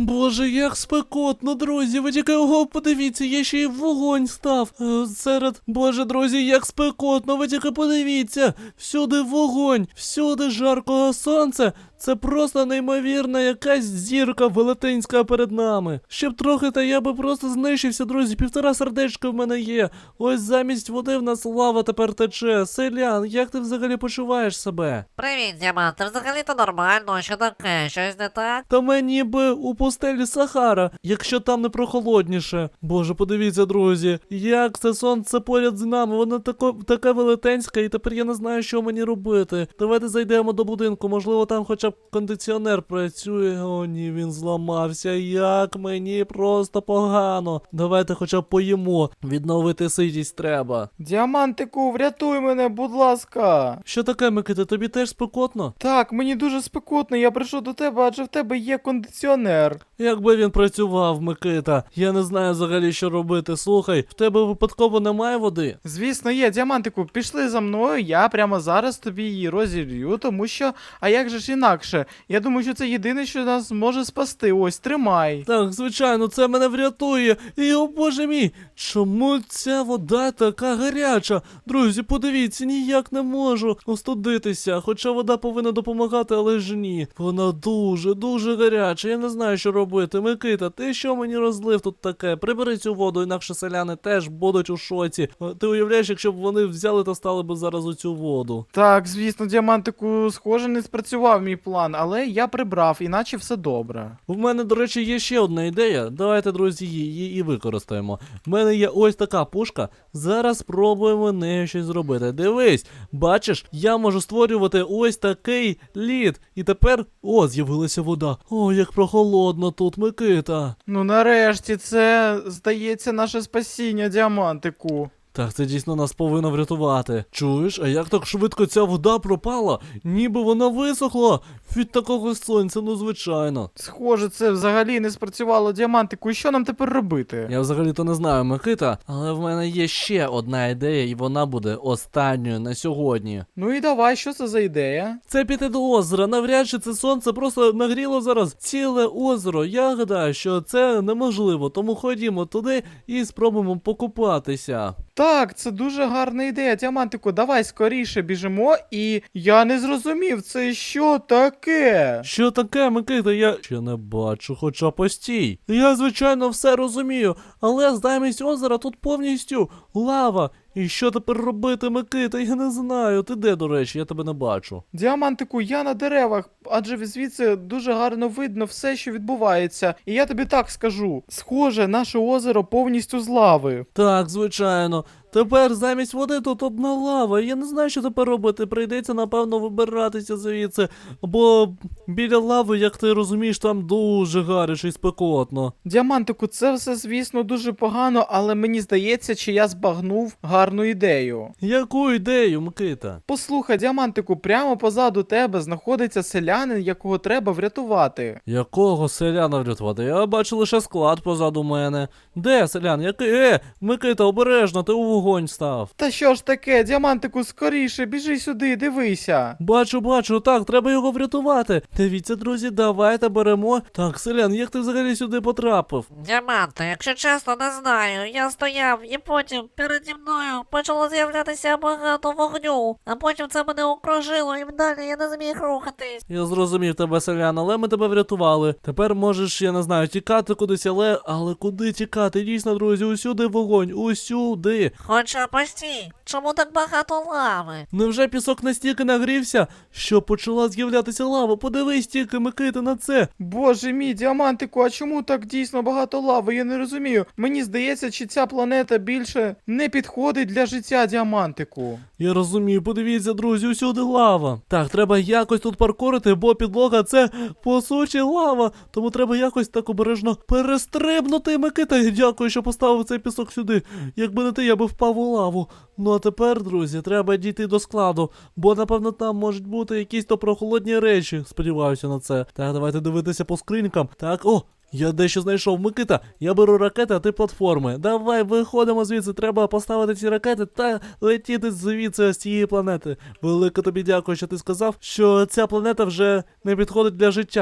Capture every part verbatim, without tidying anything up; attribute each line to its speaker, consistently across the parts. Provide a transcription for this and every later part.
Speaker 1: Боже, як спекотно, друзі, ви тільки ого, подивіться, я ще й вогонь став. Е, серед, боже, друзі, як спекотно, ви тільки подивіться. Всюди вогонь, всюди жаркого сонця. Це просто неймовірна якась зірка велетенська перед нами. Щоб трохи, та я би просто знищився, друзі, півтора сердечка в мене є. Ось замість води в нас лава тепер тече. Селян, як ти взагалі почуваєш себе?
Speaker 2: Привіт, Діамант, ти взагалі-то нормально, що таке, щось не так?
Speaker 1: Та мені би у пустелі Сахара, якщо там не прохолодніше. Боже, подивіться, друзі, як це сонце поряд з нами, воно тако, таке велетенське, і тепер я не знаю, що мені робити. Давайте зайдемо до будинку, можливо, там хоча б кондиціонер працює. О ні, він зламався, як мені просто погано. Давайте хоча б поїмо, відновити ситість треба.
Speaker 3: Діамантику, врятуй мене, будь ласка.
Speaker 1: Що таке, Микита, тобі теж спекотно?
Speaker 3: Так, мені дуже спекотно, я прийшов до тебе, адже в тебе є кондиціонер.
Speaker 1: Якби він працював, Микита, я не знаю взагалі, що робити. Слухай, в тебе випадково немає води?
Speaker 3: Звісно, є, Діамантику, пішли за мною, я прямо зараз тобі її розілью, тому що, а як же ж інакше? Я думаю, що це єдине, що нас може спасти. Ось, тримай.
Speaker 1: Так, звичайно, це мене врятує. І, о боже мій, чому ця вода така гаряча? Друзі, подивіться, ніяк не можу остудитися. Хоча вода повинна допомагати, але ж ні. Вона дуже, дуже гаряча. Я не знаю, що робити. Микита, ти що мені розлив тут таке? Прибери цю воду, інакше селяни теж будуть у шоці. Ти уявляєш, якщо б вони взяли та стали б зараз у цю воду?
Speaker 3: Так, звісно, Діамантику, схоже, не спрацював мій план, але я прибрав, іначе все добре.
Speaker 1: В мене, до речі, є ще одна ідея. Давайте, друзі, її і використаємо. В мене є ось така пушка. Зараз спробуємо нею щось зробити. Дивись, бачиш, я можу створювати ось такий лід. І тепер, о, з'явилася вода. О, як прохолодно тут, Микита.
Speaker 3: Ну нарешті, це, здається, наше спасіння, Діамантику.
Speaker 1: Так, це дійсно нас повинно врятувати. Чуєш, а як так швидко ця вода пропала? Ніби вона висохла від такого сонця, ну звичайно.
Speaker 3: Схоже, це взагалі не спрацювало, Діамантику, і що нам тепер робити?
Speaker 1: Я взагалі-то не знаю, Микита, але в мене є ще одна ідея, і вона буде останньою на сьогодні.
Speaker 3: Ну і давай, що це за ідея?
Speaker 1: Це піти до озера, навряд чи це сонце просто нагріло зараз ціле озеро. Я гадаю, що це неможливо, тому ходімо туди і спробуємо покупатися.
Speaker 3: Так, це дуже гарна ідея, Діамантику, давай скоріше біжимо, і я не зрозумів, це що таке?
Speaker 1: Що таке, Микита? Я ще не бачу, хоча постій. Я, звичайно, все розумію, але замість озера тут повністю лава. І що тепер робити, Микита? Я не знаю. Ти де, до речі? Я тебе не бачу.
Speaker 3: Діамантику, я на деревах, адже звідси дуже гарно видно все, що відбувається. І я тобі так скажу, схоже, наше озеро повністю з лави.
Speaker 1: Так, звичайно. Тепер замість води тут одна лава. Я не знаю, що тепер робити. Прийдеться, напевно, вибиратися звідси. Бо біля лави, як ти розумієш, там дуже гаряче і спекотно.
Speaker 3: Діамантику, це все, звісно, дуже погано, але мені здається, чи я збагнув гарну ідею.
Speaker 1: Яку ідею, Микита?
Speaker 3: Послухай, Діамантику, прямо позаду тебе знаходиться селянин, якого треба врятувати.
Speaker 1: Якого селяна врятувати? Я бачу лише склад позаду мене. Де селян? Який? Е, Микита, обережно, ти у вогонь став.
Speaker 3: Та що ж таке, Діамантику, скоріше, біжи сюди, дивися.
Speaker 1: Бачу, бачу, так, треба його врятувати. Дивіться, друзі, давайте беремо. Так, селян, як ти взагалі сюди потрапив?
Speaker 2: Діаманте, якщо чесно, не знаю. Я стояв і потім переді мною почало з'являтися багато вогню, а потім це мене окружило і далі я не зміг рухатись.
Speaker 1: Я зрозумів тебе, селян, але ми тебе врятували. Тепер можеш, я не знаю, тікати кудись, але... Але куди тікати? Дійсно, друзі, усюди вогонь, усюди.
Speaker 2: Хоча постій, чому так багато лави?
Speaker 1: Невже пісок настільки нагрівся, що почала з'являтися лава? Подивись тільки, Микита, на це.
Speaker 3: Боже мій, Діамантику, а чому так дійсно багато лави? Я не розумію. Мені здається, чи ця планета більше не підходить для життя, Діамантику.
Speaker 1: Я розумію, подивіться, друзі, усюди лава. Так, треба якось тут паркурити, бо підлога це, по суті, лава. Тому треба якось так обережно перестрибнути, Микита. Дякую, що поставив цей пісок сюди. Якби не ти, я би впав у лаву. Ну а тепер, друзі, треба дійти до складу, бо, напевно, там можуть бути якісь то прохолодні речі. Сподіваюся на це. Так, давайте дивитися по скринькам. Так, о! Я дещо знайшов, Микита. Я беру ракети, а ти платформи. Давай, виходимо звідси. Треба поставити ці ракети та летіти звідси з цієї планети. Велике тобі дякую, що ти сказав, що ця планета вже не підходить для життя.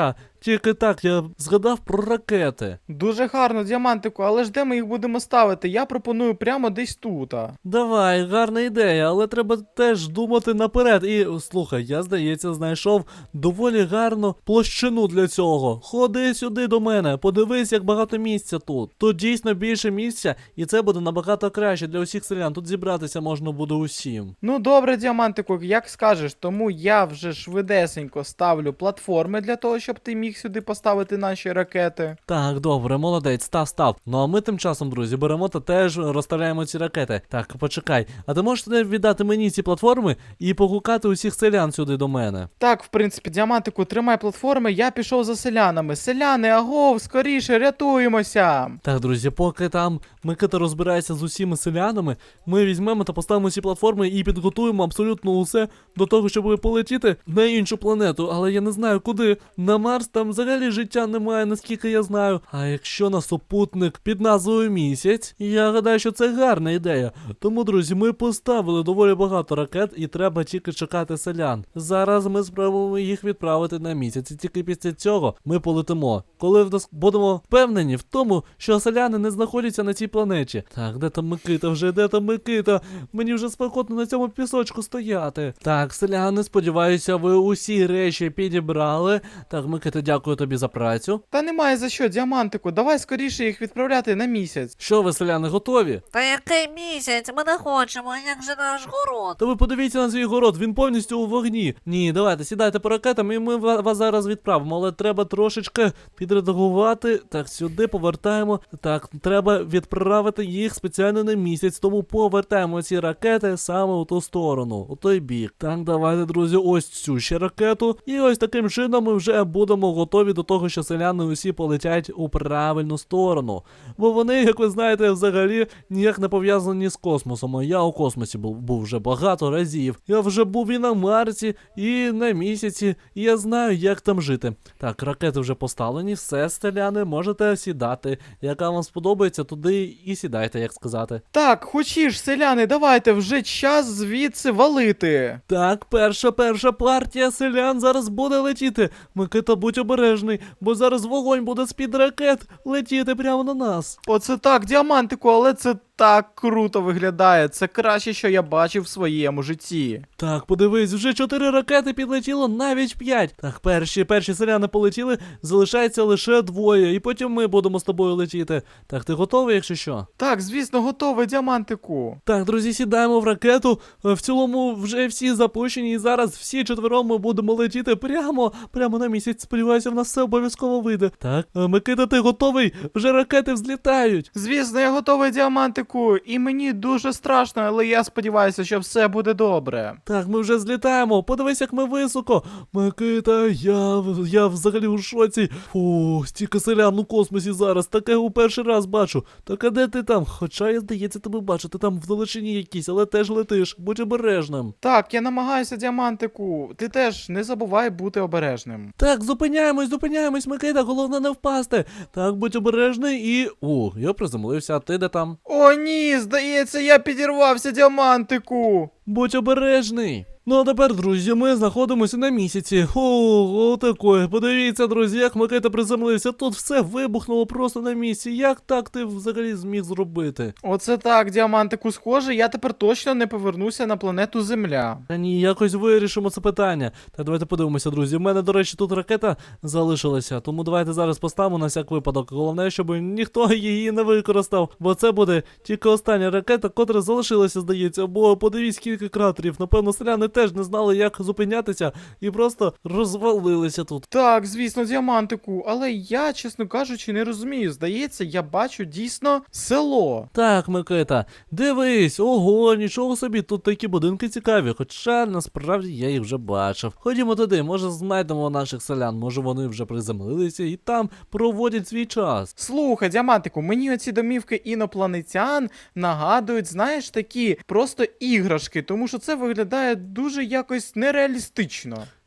Speaker 1: Тільки так, я згадав про ракети.
Speaker 3: Дуже гарно, діамантику, але ж де ми їх будемо ставити? Я пропоную прямо десь тут.
Speaker 1: Давай, гарна ідея, але треба теж думати наперед. І слухай, я, здається, знайшов доволі гарну площину для цього. Ходи сюди до мене, подивись, як багато місця тут. Тут дійсно більше місця, і це буде набагато краще для усіх селян. Тут зібратися можна буде усім.
Speaker 3: Ну добре, діамантику, як скажеш, тому я вже швидесенько ставлю платформи для того, щоб ти міг сюди поставити наші ракети.
Speaker 1: Так, добре, молодець, став, став. Ну а ми тим часом, друзі, беремо та теж розставляємо ці ракети. Так, почекай. А ти можеш не віддати мені ці платформи і погукати усіх селян сюди до мене?
Speaker 3: Так, в принципі, діамантику, тримай платформи, я пішов за селянами. Селяни, агов, скоріше, рятуємося!
Speaker 1: Так, друзі, поки там Микита розбирається з усіма селянами, ми візьмемо та поставимо ці платформи і підготуємо абсолютно усе до того, щоб полетіти на іншу планету. Але я не знаю куди. На Марс там взагалі життя немає, наскільки я знаю. А якщо на супутник під назвою Місяць, я гадаю, що це гарна ідея. Тому, друзі, ми поставили доволі багато ракет і треба тільки чекати селян. Зараз ми спробуємо їх відправити на місяць. І тільки після цього ми полетимо. Коли в нас будемо впевнені в тому, що селяни не знаходяться на цій планеті. Так, де там Микита вже, де там Микита? Мені вже спекотно на цьому пісочку стояти. Так, селяни, сподіваюся, ви усі речі підібрали. Так, Микита, дякую тобі за працю.
Speaker 3: Та немає за що, діамантику, давай скоріше їх відправляти на місяць.
Speaker 1: Що ви, селяни, готові?
Speaker 2: Та який місяць? Ми не хочемо, як же наш город?
Speaker 1: Та ви подивіться на свій город, він повністю у вогні. Ні, давайте, сідайте по ракетам і ми ва- вас зараз відправимо, але треба трошечки підредагувати. Так, сюди повертаємо. Так, треба відправити їх спеціально на місяць, тому повертаємо ці ракети саме у ту сторону, у той бік. Так, давайте, друзі, ось цю ще ракету. І ось таким чином ми вже будемо готові до того, що селяни усі полетять у правильну сторону. Бо вони, як ви знаєте, взагалі ніяк не пов'язані з космосом. А я у космосі був, був вже багато разів. Я вже був і на Марсі, і на місяці, і я знаю, як там жити. Так, ракети вже поставлені, все, селяни, можете сідати. Яка вам сподобається, туди і сідайте, як сказати.
Speaker 3: Так, хочеш, селяни, давайте, вже час звідси валити.
Speaker 1: Так, перша, перша партія селян зараз буде летіти. Микита, будь обережний, бо зараз вогонь буде з-під ракет летіти прямо на нас.
Speaker 3: Оце так, діамантику, але це так круто виглядає. Це краще, що я бачив в своєму житті.
Speaker 1: Так, подивись, вже чотири ракети підлетіло, навіть п'ять. Так, перші, перші селяни полетіли, залишається лише двоє, і потім ми будемо з тобою летіти. Так, ти готовий, якщо що?
Speaker 3: Так, звісно, готовий, діамантику.
Speaker 1: Так, друзі, сідаємо в ракету. В цілому вже всі запущені, і зараз всі четвером ми будемо летіти прямо, прямо на місяць. Сподіваюся, в нас все обов'язково вийде. Так, е, Микита, ти готовий? Вже ракети взлітають.
Speaker 3: Звісно, я готовий, діамантику, і мені дуже страшно, але я сподіваюся, що все буде добре.
Speaker 1: Так, ми вже злітаємо. Подивись, як ми високо. Микита, я, я взагалі у шоці. Фу, стільки селян у космосі зараз. Таке у перший раз бачу. Так а де ти там? Хоча, я, здається, тебе бачу. Ти там вдалечині якийсь, але теж летиш. Будь обережним.
Speaker 3: Так, я намагаюся, діамантику. Ти теж не забувай бути обережним.
Speaker 1: Так, зупиняємось, зупиняємось, Микита. Головне не впасти. Так, будь обережний і... О, я приземлився. А ти де там?
Speaker 3: О, ні, здається, я підірвався, діамантику.
Speaker 1: Будь обережний. Ну а тепер, друзі, ми знаходимося на місяці. О, отакої. Подивіться, друзі, як Микита приземлився. Тут все вибухнуло просто на місці. Як так ти взагалі зміг зробити?
Speaker 3: Оце так, діамантику, схоже, я тепер точно не повернуся на планету Земля.
Speaker 1: Та ні, якось вирішимо це питання. Так, давайте подивимося, друзі. У мене, до речі, тут ракета залишилася, тому давайте зараз поставимо на всяк випадок. Головне, щоб ніхто її не використав, бо це буде тільки остання ракета, котра залишилася, здається. Бо подивіться, скільки кратерів. Напевно, селяни теж не знали, як зупинятися, і просто розвалилися тут.
Speaker 3: Так, звісно, діамантику, але я, чесно кажучи, не розумію. Здається, я бачу дійсно село.
Speaker 1: Так, Микита, дивись, ого, нічого собі, тут такі будинки цікаві, хоча насправді я їх вже бачив. Ходімо туди, може знайдемо наших селян, може вони вже приземлилися і там проводять свій час.
Speaker 3: Слухай, діамантику, мені оці домівки інопланетян нагадують, знаєш, такі просто іграшки, тому що це виглядає дуже якось нереалістично.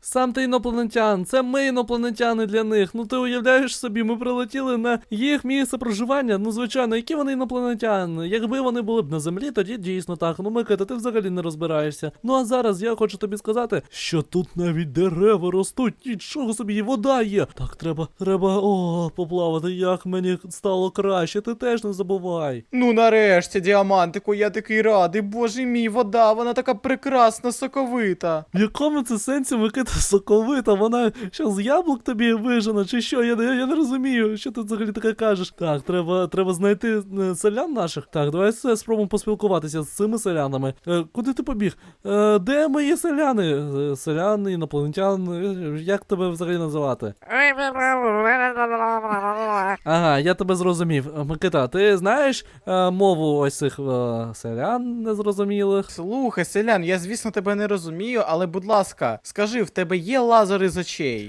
Speaker 1: Сам ти інопланетян, це ми інопланетяни для них. Ну ти уявляєш собі, ми прилетіли на їх місце проживання. Ну звичайно, які вони інопланетяни? Якби вони були б на землі, тоді дійсно так. Ну Микита, ти взагалі не розбираєшся. Ну а зараз я хочу тобі сказати, що тут навіть дерева ростуть, нічого собі, і вода є. Так, треба, треба, о, поплавати, як мені стало краще, ти теж не забувай.
Speaker 3: Ну нарешті, діамантику, я такий радий. Боже мій, вода, вона така прекрасна, соковита.
Speaker 1: В якому це сенсі Микита соковита? Вона що з яблук тобі вижена, чи що? Я, я, я не розумію, що ти взагалі таке кажеш. Так, треба, треба знайти е, селян наших. Так, давай все спробуємо поспілкуватися з цими селянами. Е, куди ти побіг? Е, де мої селяни? Е, селяни, інопланетян, е, як тебе взагалі називати? Ага, я тебе зрозумів. Е, Микита, ти знаєш е, мову ось цих е, селян незрозумілих?
Speaker 3: Слухай, селян, я звісно тебе не розумію, але будь ласка, скажи, в тебе є лазер із очей?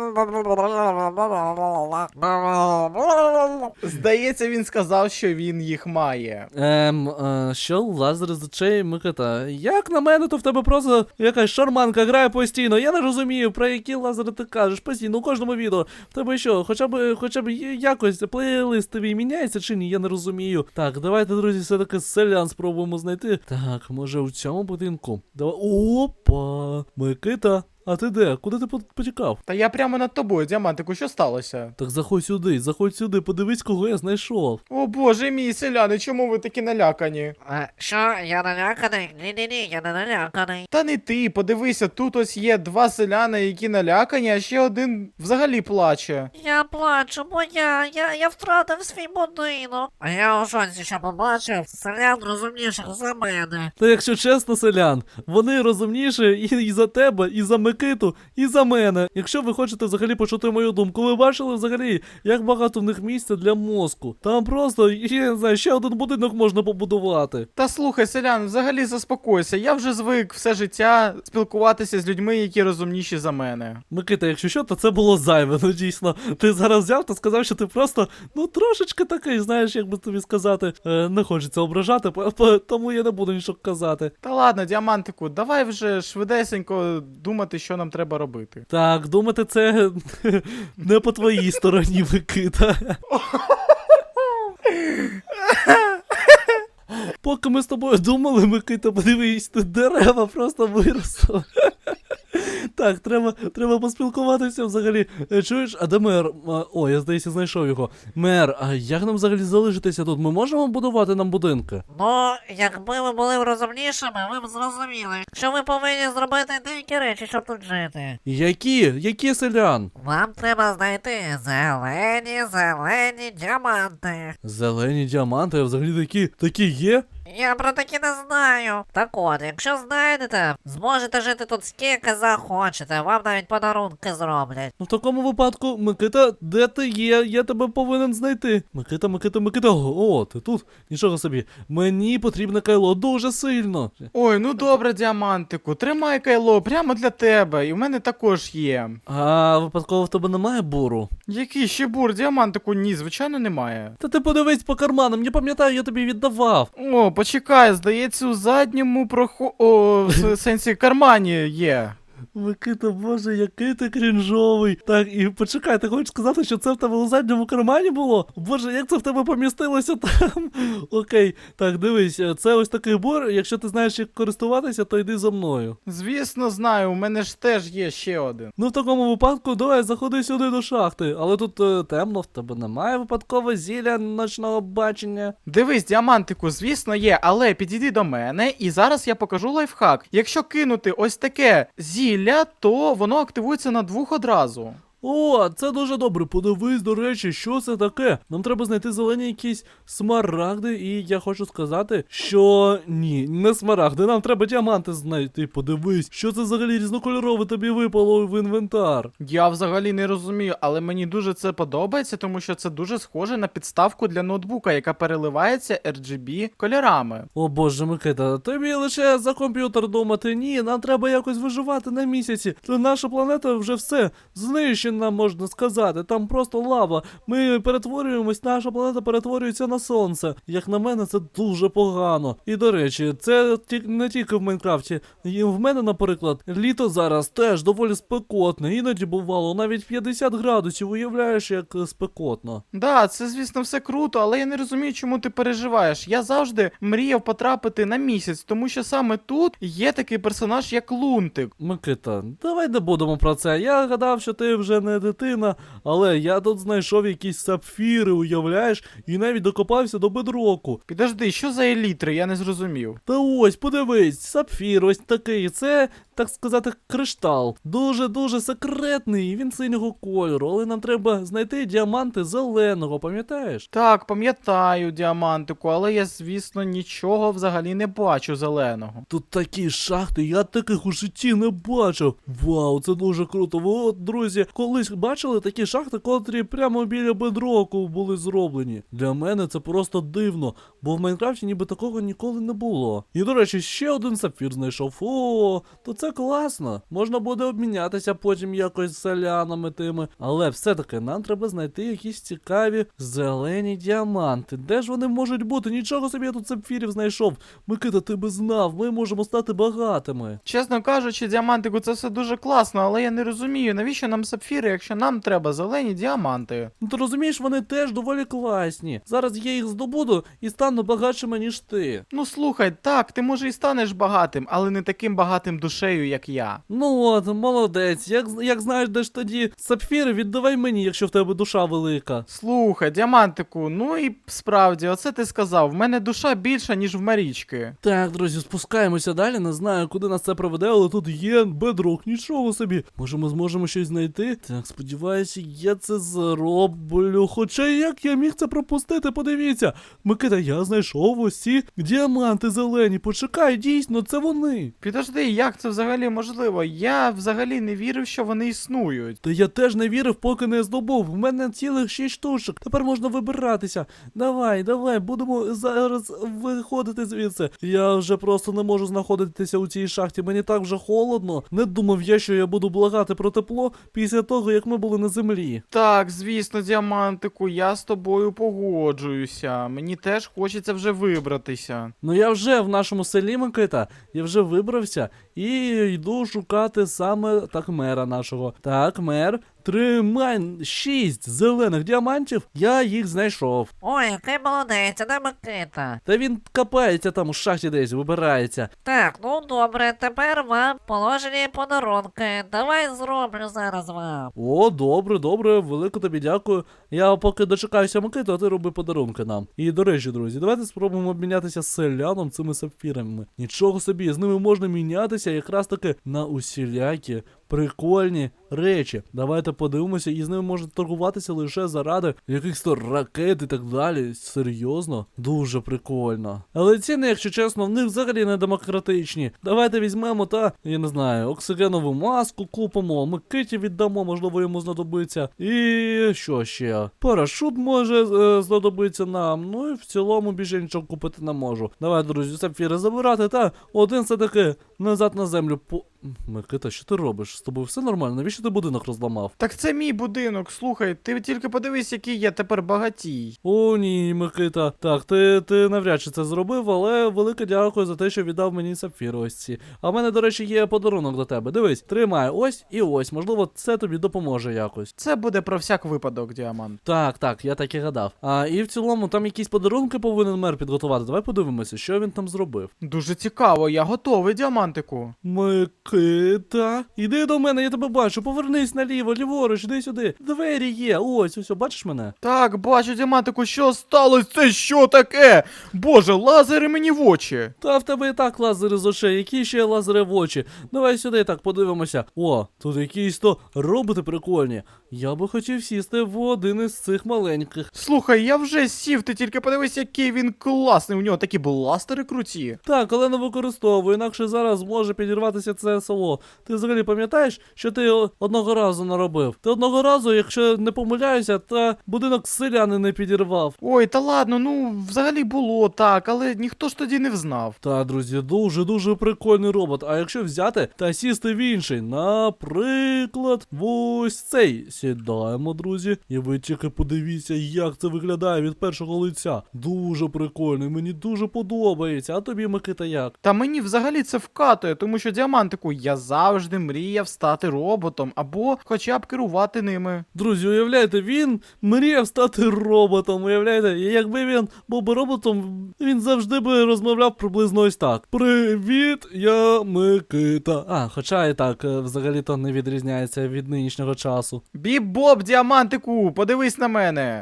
Speaker 3: Здається, він сказав, що він їх має.
Speaker 1: Ем, е, що лазер з очей, Микита? Як на мене, то в тебе просто якась шарманка грає постійно. Я не розумію, про які лазери ти кажеш постійно у кожному відео. В тебе що, хоча б, хоча б якось плейлист тобі міняється чи ні? Я не розумію. Так, давайте, друзі, все-таки селян спробуємо знайти. Так, може у цьому будинку? Давай. Опа! Микита, а ти де? Куди ти по- потікав?
Speaker 3: Та я прямо над тобою, діамантику, що сталося?
Speaker 1: Так заходь сюди, заходь сюди, подивись, кого я знайшов.
Speaker 3: О боже мій, селяни, чому ви такі налякані?
Speaker 2: Е, Що, я наляканий? Ні-ні-ні, я не наляканий.
Speaker 3: Та не ти, подивися, тут ось є два селяни, які налякані, а ще один взагалі плаче.
Speaker 2: Я плачу, бо я, я, я втратив свій будинок. А я у шоці, що побачив селян розумніших за мене.
Speaker 1: Та якщо чесно, селян, вони розумніші і, і за тебе, і за Микиту, і за мене. Якщо ви хочете взагалі почути мою думку, ви бачили взагалі, як багато в них місця для мозку. Там просто, я не знаю, ще один будинок можна побудувати.
Speaker 3: Та слухай, селян, взагалі заспокойся, я вже звик все життя спілкуватися з людьми, які розумніші за мене.
Speaker 1: Микита, якщо що, то це було зайве, ну дійсно. Ти зараз взяв та сказав, що ти просто, ну трошечки такий, знаєш, як би тобі сказати, е, не хочеться ображати, по- по- тому я не буду нічого казати.
Speaker 3: Та ладно, діамантику, давай вже швидесенько думати, що нам треба робити.
Speaker 1: Так, думати, це не по твоїй стороні, Микита. Поки ми з тобою думали, Микита, подивись, тут дерева просто виросли. Так, треба, треба поспілкуватися взагалі. Е, Чуєш, а де мер? А, О, я здається, знайшов його. Мер, а як нам взагалі залишитися тут? Ми можемо будувати нам будинки?
Speaker 2: Ну, якби ви були розумнішими, ви б зрозуміли, що ви повинні зробити деякі речі, щоб тут жити.
Speaker 1: Які? Які селян?
Speaker 2: Вам треба знайти зелені, зелені діаманти.
Speaker 1: Зелені діаманти, а взагалі такі, такі є?
Speaker 2: Я про такі не знаю. Так от, якщо знайдете, зможете жити тут скільки захочете, вам навіть подарунки зроблять.
Speaker 1: Ну в такому випадку, Микита, де ти є? Я тебе повинен знайти. Микита, Микита, Микита, о, ти тут? Нічого собі. Мені потрібне кайло дуже сильно.
Speaker 3: Ой, ну добре, діамантику, тримай кайло прямо для тебе, і в мене також є.
Speaker 1: А випадково в тебе немає буру?
Speaker 3: Який ще бур, діамантику? Ні, звичайно, немає.
Speaker 1: Та ти подивись по карманам, я пам'ятаю, я тобі віддавав.
Speaker 3: О, почекай, здається, у задньому прохо... О, в сенсі кармані є.
Speaker 1: Микита, боже, який ти крінжовий. Так, і почекай, ти хочеш сказати, що це в тебе у задньому кармані було? Боже, як це в тебе помістилося там? Окей, так, дивись, це ось такий бур, якщо ти знаєш, як користуватися, то йди за мною.
Speaker 3: Звісно, знаю, у мене ж теж є ще один.
Speaker 1: Ну, в такому випадку, давай, заходи сюди до шахти. Але тут е, темно, в тебе немає випадково зілля ночного бачення.
Speaker 3: Дивись, діамантику, звісно, є, але підійди до мене, і зараз я покажу лайфхак. Якщо кинути ось таке зілля, то воно активується на двох одразу.
Speaker 1: О, це дуже добре. Подивись, до речі, що це таке. Нам треба знайти зелені якісь смарагди, і я хочу сказати, що ні, не смарагди, нам треба діаманти знайти. Подивись, що це взагалі різнокольорове тобі випало в інвентар.
Speaker 3: Я взагалі не розумію, але мені дуже це подобається, тому що це дуже схоже на підставку для ноутбука, яка переливається ар джі бі кольорами.
Speaker 1: О боже, Микита, тобі лише за комп'ютер думати. Ні, нам треба якось виживати на місяці. Та наша планета вже все знищена. що нам можна сказати. Там просто лава. Ми перетворюємось, наша планета перетворюється на сонце. Як на мене, це дуже погано. І до речі, це ті- не тільки в Майнкрафті. І в мене, наприклад, літо зараз теж доволі спекотне. Іноді бувало навіть п'ятдесят градусів. Уявляєш, як е, спекотно.
Speaker 3: Да, це, звісно, все круто, але я не розумію, чому ти переживаєш. Я завжди мріяв потрапити на місяць, тому що саме тут є такий персонаж, як Лунтик.
Speaker 1: Микита, давай не будемо про це. Я гадав, що ти вже не дитина, але я тут знайшов якісь сапфіри, уявляєш, і навіть докопався до бедроку.
Speaker 3: Підожди, що за елітри? Я не зрозумів.
Speaker 1: Та ось, подивись, сапфір ось такий, це, так сказати, криштал. Дуже-дуже секретний, і він синього кольору, але нам треба знайти діаманти зеленого, пам'ятаєш?
Speaker 3: Так, пам'ятаю діамантику, але я, звісно, нічого взагалі не бачу зеленого.
Speaker 1: Тут такі шахти, я таких у житті не бачив. Вау, це дуже круто. Ви от, друзі, колись бачили такі шахти, котрі прямо біля бедроку були зроблені. Для мене це просто дивно, бо в Майнкрафті ніби такого ніколи не було. І, до речі, ще один сапфір знайшов. О, то це класно. Можна буде обмінятися потім якось з селянами тими. Але все-таки нам треба знайти якісь цікаві зелені діаманти. Де ж вони можуть бути? Нічого собі я тут сапфірів знайшов. Микита, ти би знав, ми можемо стати багатими.
Speaker 3: Чесно кажучи, діамантику, це все дуже класно, але я не розумію, навіщо нам сапфіри, якщо нам треба зелені діаманти.
Speaker 1: Ну ти розумієш, вони теж доволі класні. Зараз я їх здобуду і стану багатшими, ніж ти.
Speaker 3: Ну слухай, так, ти може і станеш багатим, але не таким багатим душею, як я.
Speaker 1: Ну от, молодець. Як, як знаєш, де ж тоді сапфіри, віддавай мені, якщо в тебе душа велика.
Speaker 3: Слухай, діамантику, ну і справді, оце ти сказав, в мене душа більша, ніж в Марічки.
Speaker 1: Так, друзі, спускаємося далі. Не знаю, куди нас це проведе, але тут є бедрок, нічого собі. Може, ми зможемо щось знайти? Так, сподіваюся, я це зроблю. Хоча як я міг це пропустити, подивіться. Микита, я знайшов ось ці діаманти зелені. Почекай, дійсно, це вони.
Speaker 3: Підожди, як це взагалі можливо? Я взагалі не вірив, що вони існують.
Speaker 1: Та я теж не вірив, поки не здобув. В мене цілих шість штучок. Тепер можна вибиратися. Давай, давай, будемо зараз виходити звідси. Я вже просто не можу знаходитися у цій шахті. Мені так вже холодно. Не думав я, що я буду благати про тепло після того, як ми були на землі.
Speaker 3: Так, звісно, діамантику, я з тобою погоджуюся. Мені теж хочеться вже вибратися.
Speaker 1: Ну я вже в нашому селі, Микита, я вже вибрався і йду шукати саме так мера нашого. Так, мер, тримай шість зелених діамантів, я їх знайшов.
Speaker 2: Ой, який молодець, а де Микита?
Speaker 1: Та він копається там у шахті десь, вибирається.
Speaker 2: Так, ну добре, тепер вам положені подарунки. Давай зроблю зараз вам.
Speaker 1: О, добре, добре, велико тобі дякую. Я поки дочекаюся Микиту, а ти роби подарунки нам. І до речі, друзі, давайте спробуємо обмінятися з селяном цими сапфірами. Нічого собі, з ними можна мінятися якраз таки на усілякі прикольні речі. Давайте подивимося, і з ними можна торгуватися лише заради якихось то ракет і так далі. Серйозно? Дуже прикольно. Але ціни, якщо чесно, в них взагалі не демократичні. Давайте візьмемо та, я не знаю, оксигенову маску купимо, Микиті віддамо, можливо, йому знадобиться. І що ще? Парашут може е, знадобиться нам. Ну і в цілому більше нічого купити не можу. Давай, друзі, сапфіри забирати та один все-таки назад на землю по... Микита, що ти робиш? З тобою все нормально? Навіщо ти будинок розламав?
Speaker 3: Так це мій будинок, слухай, ти тільки подивись, який я тепер багатій.
Speaker 1: О, ні, Микита. Так, ти, ти навряд чи це зробив, але велике дякую за те, що віддав мені сапфіри ось ці. А в мене, до речі, є подарунок до тебе. Дивись, тримай ось і ось. Можливо, це тобі допоможе якось.
Speaker 3: Це буде про всяк випадок, діамант.
Speaker 1: Так, так, я так і гадав. А і в цілому там якісь подарунки повинен мер підготувати. Давай подивимося, що він там зробив.
Speaker 3: Дуже цікаво, я готовий, діамантику.
Speaker 1: Микита, іди до мене, я тебе бачу. Повернись наліво, ліворуч, іди сюди. Двері є. Ось, ось, бачиш мене?
Speaker 3: Так, бачу, діамантику, що сталося? Це що таке? Боже, лазери мені в очі.
Speaker 1: Та в тебе і так лазери з очей, які ще лазери в очі. Давай сюди так подивимося. О, тут якісь то роботи прикольні. Я би хотів сісти в один із цих маленьких.
Speaker 3: Слухай, я вже сів, ти тільки подивись, який він класний. У нього такі бластери круті.
Speaker 1: Так, але не використовую, інакше зараз може підірватися це таке село. Ти взагалі пам'ятаєш, що ти о- одного разу наробив? Ти одного разу, якщо не помиляюся, та будинок селяни не підірвав.
Speaker 3: Ой, та ладно, ну взагалі було так, але ніхто ж тоді не взнав.
Speaker 1: Та, друзі, дуже-дуже прикольний робот. А якщо взяти та сісти в інший, наприклад, в ось цей. Сідаємо, друзі, і ви тільки подивіться, як це виглядає від першого лиця. Дуже прикольний, мені дуже подобається. А тобі, Микита, як?
Speaker 3: Та мені взагалі це вкатує, тому що діамантику я завжди мріяв стати роботом або хоча б керувати ними.
Speaker 1: Друзі, уявляєте, він мріяв стати роботом, уявляєте? І якби він був би роботом, він завжди би розмовляв приблизно ось так. Привіт, я Микита. А, хоча і так, е, взагалі-то не відрізняється від нинішнього часу.
Speaker 3: Біб-боб, діамантику, подивись на мене.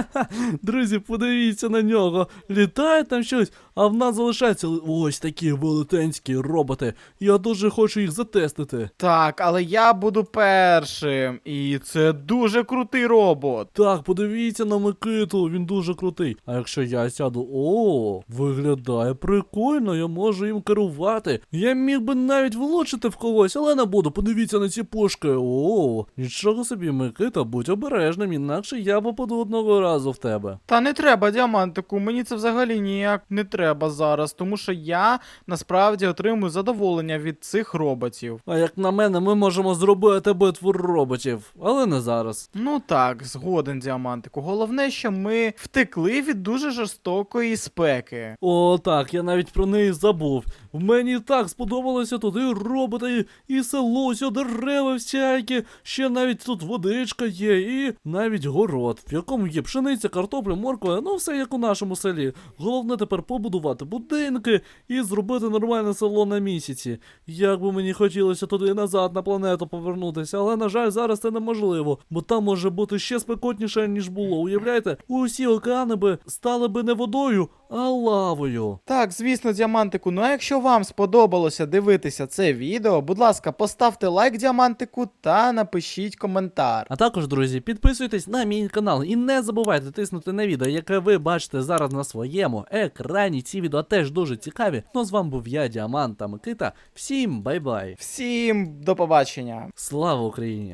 Speaker 1: Друзі, подивіться на нього. Літає там щось, а в нас залишаються ли- ось такі велетенські роботи. Я дуже хочу їх затестити.
Speaker 3: Так, але я буду першим. І це дуже крутий робот.
Speaker 1: Так, подивіться на Микиту, він дуже крутий. А якщо я сяду, о, виглядає прикольно, я можу їм керувати. Я міг би навіть влучити в когось, але не буду. Подивіться на ці пушки. О, нічого собі, Микита, будь обережним, інакше я попаду одного разу в тебе.
Speaker 3: Та не треба, діамантику, мені це взагалі ніяк не треба зараз, тому що я насправді отримую задоволення від цих роботів.
Speaker 1: А як на мене, ми можемо зробити битву роботів, але не зараз.
Speaker 3: Ну так, згоден, діамантику. Головне, що ми втекли від дуже жорстокої спеки.
Speaker 1: О, так, я навіть про неї забув. В мені так сподобалося тут і роботи, і, і село, ось дерева всякі, ще навіть тут водичка є, і навіть город, в якому є пшениця, картопля, морква, ну все як у нашому селі. Головне тепер побудувати будинки і зробити нормальне село на місяці. Як би мені хотілося туди і назад на планету повернутися, але, на жаль, зараз це неможливо, бо там може бути ще спекотніше, ніж було. Уявляєте, усі океани би стали би не водою, а лавою.
Speaker 3: Так, звісно, діамантику. Ну а якщо вам сподобалося дивитися це відео, будь ласка, поставте лайк діамантику та напишіть коментар.
Speaker 1: А також, друзі, підписуйтесь на мій канал і не забувайте тиснути на відео, яке ви бачите зараз на своєму екрані. Ці відео теж дуже цікаві. Ну, з вами був я, Діамант та Микита. Всім бай-бай.
Speaker 3: Всім до побачення!
Speaker 1: Слава Україні!